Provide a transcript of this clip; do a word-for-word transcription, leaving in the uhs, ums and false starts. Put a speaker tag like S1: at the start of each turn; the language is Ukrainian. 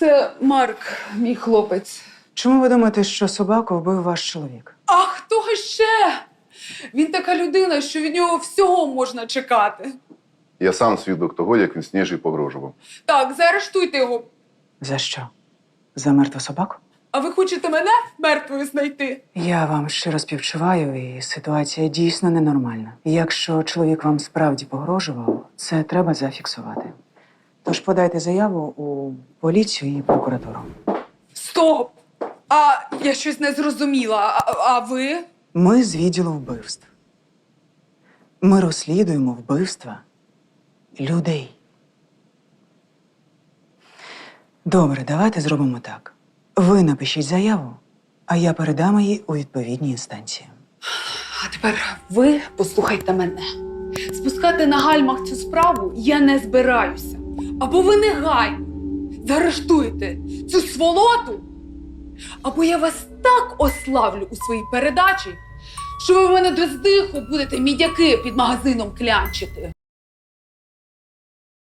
S1: Це Марк, мій хлопець.
S2: Чому ви думаєте, що собаку вбив ваш чоловік?
S1: А хто ще? Він така людина, що від нього всього можна чекати.
S3: Я сам свідок того, як він Сніжі погрожував.
S1: Так, заарештуйте його.
S2: За що? За мертву собаку?
S1: А ви хочете мене мертвою знайти?
S2: Я вам щиро співчуваю, і ситуація дійсно ненормальна. Якщо чоловік вам справді погрожував, це треба зафіксувати. Тож подайте заяву у поліцію і прокуратуру.
S1: Стоп! А я щось не зрозуміла. А, а ви?
S2: Ми з відділу вбивств. Ми розслідуємо вбивства людей. Добре, давайте зробимо так. Ви напишіть заяву, а я передам її у відповідні інстанції.
S1: А тепер ви послухайте мене. Спускати на гальмах цю справу я не збираюся. Або ви негайно заарештуєте цю сволоту, або я вас так ославлю у своїй передачі, що ви в мене до здиху будете мідяки під магазином клянчити.